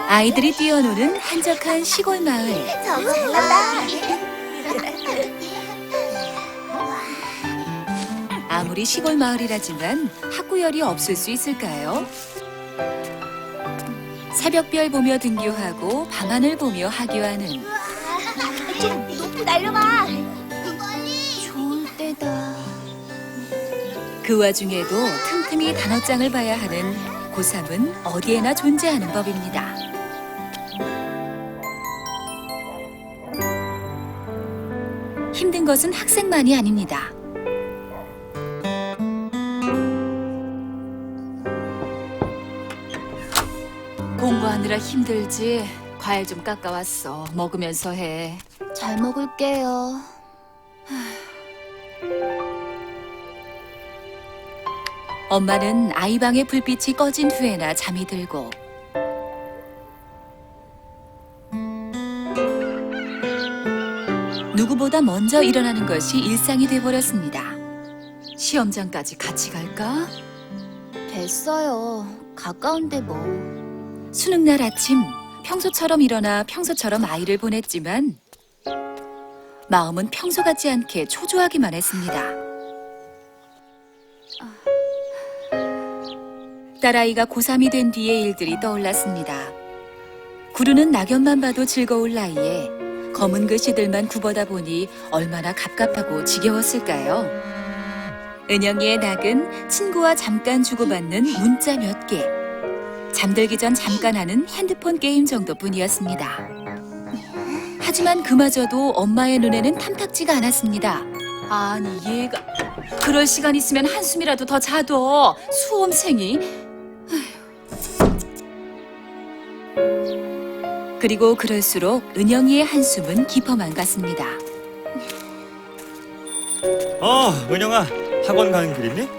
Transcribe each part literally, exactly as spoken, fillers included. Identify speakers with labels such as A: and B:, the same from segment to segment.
A: 아이들이 뛰어노는 한적한 시골 마을.
B: 잘한다.
A: 아무리 시골 마을이라지만 학구열이 없을 수 있을까요? 새벽별 보며 등교하고 밤하늘 보며 하교하는
B: 좀 높이 날려봐. 좋을 때다.
A: 그 와중에도 틈틈이 단어장을 봐야 하는 고삼은 어디에나 존재하는 법입니다. 힘든 것은 학생만이 아닙니다. 공부하느라 힘들지. 과일 좀 깎아왔어. 먹으면서 해.
B: 잘 먹을게요.
A: 엄마는 아이 방의 불빛이 꺼진 후에나 잠이 들고 누구보다 먼저 일어나는 것이 일상이 돼버렸습니다. 시험장까지 같이 갈까?
B: 됐어요. 가까운데 뭐.
A: 수능날 아침 평소처럼 일어나 평소처럼 아이를 보냈지만 마음은 평소 같지 않게 초조하기만 했습니다. 딸아이가 고삼이 된 뒤의 일들이 떠올랐습니다. 구르는 낙엽만 봐도 즐거울 나이에 검은 글씨들만 굽어다 보니 얼마나 갑갑하고 지겨웠을까요? 은영이의 낙은 친구와 잠깐 주고받는 문자 몇 개, 잠들기 전 잠깐 하는 핸드폰 게임 정도뿐이었습니다. 하지만 그마저도 엄마의 눈에는 탐탁지가 않았습니다. 아니 얘가 그럴 시간 있으면 한숨이라도 더 자둬. 수험생이. 그리고 그럴수록 은영이의 한숨은 깊어만 갔습니다.
C: 어, 은영아, 학원 가는 길 있니?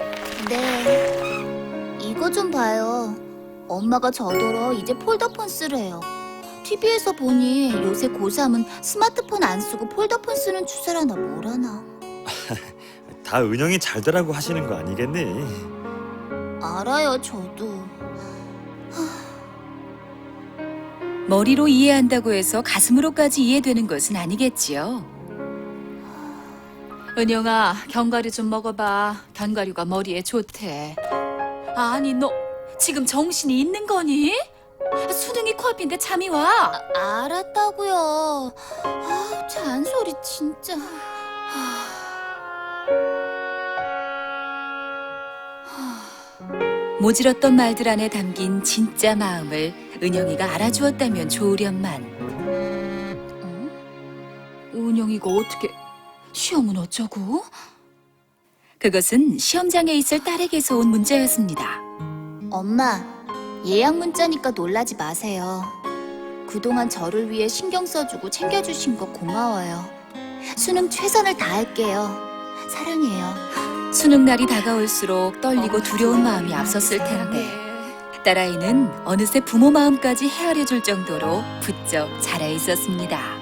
B: 네. 이거 좀 봐요. 엄마가 저더러 이제 폴더폰 쓰래요. 티비에서 보니 요새 고삼은 스마트폰 안 쓰고 폴더폰 쓰는 추세라나 뭐라나.
C: 다 은영이 잘 되라고 하시는 거 아니겠니?
B: 알아요, 저도.
A: 머리로 이해한다고 해서 가슴으로까지 이해되는 것은 아니겠지요. 은영아, 견과류 좀 먹어봐. 견과류가 머리에 좋대. 아니, 너 지금 정신이 있는 거니? 수능이 코앞인데 잠이 와.
B: 아, 알았다고요. 아, 잔소리 진짜.
A: 모질었던 말들 안에 담긴 진짜 마음을 은영이가 알아주었다면 좋으련만. 어? 은영이가 어떻게... 시험은 어쩌고? 그것은 시험장에 있을 딸에게서 온 문자였습니다.
B: 엄마, 예약 문자니까 놀라지 마세요. 그동안 저를 위해 신경 써주고 챙겨주신 거 고마워요. 수능 최선을 다할게요. 사랑해요.
A: 수능 날이 다가올수록 떨리고 두려운 마음이 앞섰을 텐데 딸아이는 어느새 부모 마음까지 헤아려 줄 정도로 부쩍 자라 있었습니다.